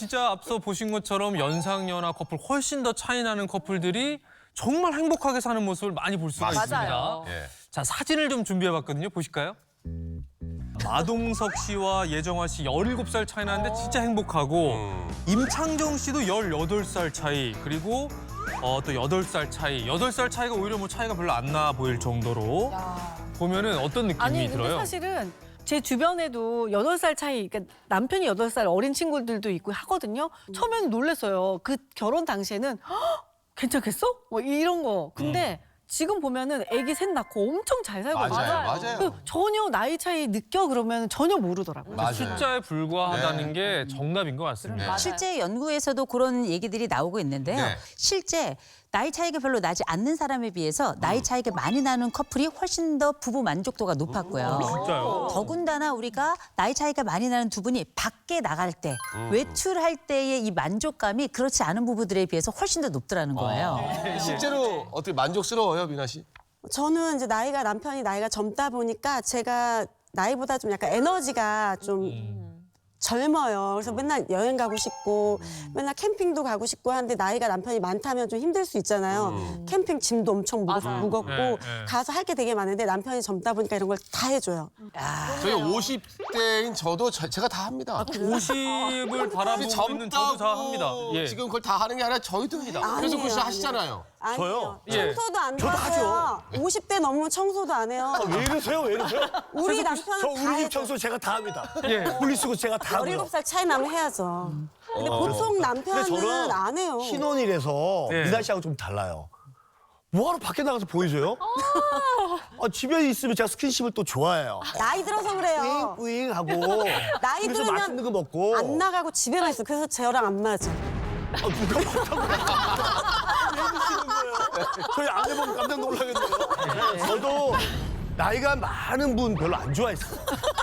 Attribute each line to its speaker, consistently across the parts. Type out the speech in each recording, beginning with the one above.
Speaker 1: 진짜 앞서 보신 것처럼 연상연하 커플 훨씬 더 차이 나는 커플들이 정말 행복하게 사는 모습을 많이 볼 수가
Speaker 2: 맞아요.
Speaker 1: 있습니다. 자, 사진을 좀 준비해봤거든요. 보실까요? 마동석 씨와 예정화 씨 17살 차이 나는데 진짜 행복하고 임창정 씨도 18살 차이 그리고 또 8살 차이. 8살 차이가 오히려 뭐 차이가 별로 안 나 보일 정도로 보면은 어떤 느낌이
Speaker 2: 아니 근데
Speaker 1: 들어요?
Speaker 2: 사실은 제 주변에도 8살 차이, 그러니까 남편이 8살 어린 친구들도 있고 하거든요. 처음에는 놀랐어요. 그 결혼 당시에는 "헉, 괜찮겠어? 뭐 이런 거. 근데 지금 보면은 아기 셋 낳고 엄청 잘 살고
Speaker 3: 맞아요.
Speaker 2: 그 전혀 나이 차이 느껴 그러면 전혀 모르더라고요.
Speaker 3: 맞아요.
Speaker 1: 숫자에 불과하다는 게 정답인 것 같습니다.
Speaker 4: 실제 연구에서도 그런 얘기들이 나오고 있는데요.
Speaker 3: 네.
Speaker 4: 실제 나이 차이가 별로 나지 않는 사람에 비해서 나이 차이가 많이 나는 커플이 훨씬 더 부부 만족도가 높았고요.
Speaker 1: 진짜요?
Speaker 4: 더군다나 우리가 나이 차이가 많이 나는 두 분이 밖에 나갈 때, 외출할 때의 이 만족감이 그렇지 않은 부부들에 비해서 훨씬 더 높더라는 거예요.
Speaker 3: 실제로 어떻게 만족스러워요, 미나 씨?
Speaker 5: 저는 이제 남편이 나이가 젊다 보니까 제가 나이보다 좀 약간 에너지가 좀 젊어요. 그래서 맨날 여행 가고 싶고 맨날 캠핑도 가고 싶고 하는데 나이가 남편이 많다면 좀 힘들 수 있잖아요. 캠핑 짐도 엄청 무겁고
Speaker 1: 네.
Speaker 5: 가서 할 게 되게 많은데 남편이 젊다 보니까 이런 걸 다 해줘요.
Speaker 3: 저희 50대인 저도 제가 다 합니다.
Speaker 1: 50을 바라보고 있는 저도 다 합니다. 예.
Speaker 3: 지금 그걸 다 하는 게 아니라 저희도 합니다. 그래서
Speaker 5: 아니에요,
Speaker 3: 글씨 하시잖아요.
Speaker 5: 아니에요.
Speaker 6: 저요?
Speaker 1: 예.
Speaker 5: 청소도 안 도와줘요. 50대 넘으면 청소도 안 해요.
Speaker 6: 왜 이러세요? 왜 이러세요?
Speaker 5: 우리
Speaker 6: 저
Speaker 5: 남편은 다
Speaker 6: 우리 집
Speaker 5: 해줘.
Speaker 6: 청소 제가 다 합니다.
Speaker 1: 예.
Speaker 6: 분리수거 제가 다 하고요.
Speaker 5: 17살 차이 나면 해야죠. 근데 보통 남편은 안 해요.
Speaker 6: 신혼이라서
Speaker 1: 네.
Speaker 6: 미나 씨하고 좀 달라요. 뭐하러 밖에 나가서 보이세요? 집에 있으면 제가 스킨십을 또 좋아해요.
Speaker 5: 나이 들어서 그래요.
Speaker 6: 뿌잉뿌잉 하고
Speaker 5: 나이
Speaker 6: 그래서
Speaker 5: 들으면
Speaker 6: 맛있는 거 먹고
Speaker 5: 안 나가고 집에만 있어. 그래서 저랑 안 맞아.
Speaker 6: 누가 먹자고 왜 드시는 거예요? 저희 아내분 깜짝 놀라겠네요. 저도 나이가 많은 분 별로 안 좋아했어요.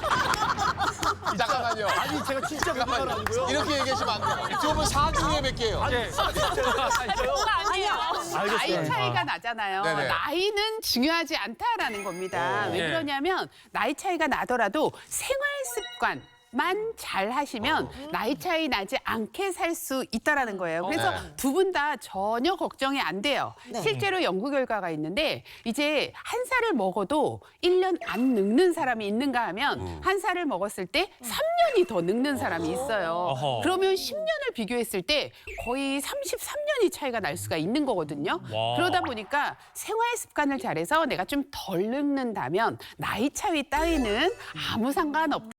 Speaker 3: 잠깐만요.
Speaker 6: 아니 제가 진짜 그런 건 아니고요.
Speaker 3: 이렇게 얘기하시면 안 돼요. 두 분 사중에 뵐게요.
Speaker 1: 예.
Speaker 7: 아니에요. 나이
Speaker 6: 알겠어요.
Speaker 7: 차이가 나잖아요.
Speaker 3: 네네.
Speaker 7: 나이는 중요하지 않다라는 겁니다. 왜
Speaker 1: 예.
Speaker 7: 그러냐면 나이 차이가 나더라도 생활 습관 만 잘 하시면 나이 차이 나지 않게 살 수 있다라는 거예요. 그래서
Speaker 3: 네.
Speaker 7: 두 분 다 전혀 걱정이 안 돼요. 실제로 연구 결과가 있는데 이제 한 살을 먹어도 1년 안 늙는 사람이 있는가 하면 한 살을 먹었을 때 3년이 더 늙는 사람이 있어요.
Speaker 1: 어허.
Speaker 7: 그러면 10년을 비교했을 때 거의 33년이 차이가 날 수가 있는 거거든요.
Speaker 1: 와.
Speaker 7: 그러다 보니까 생활 습관을 잘해서 내가 좀 덜 늙는다면 나이 차이 따위는 아무 상관없다.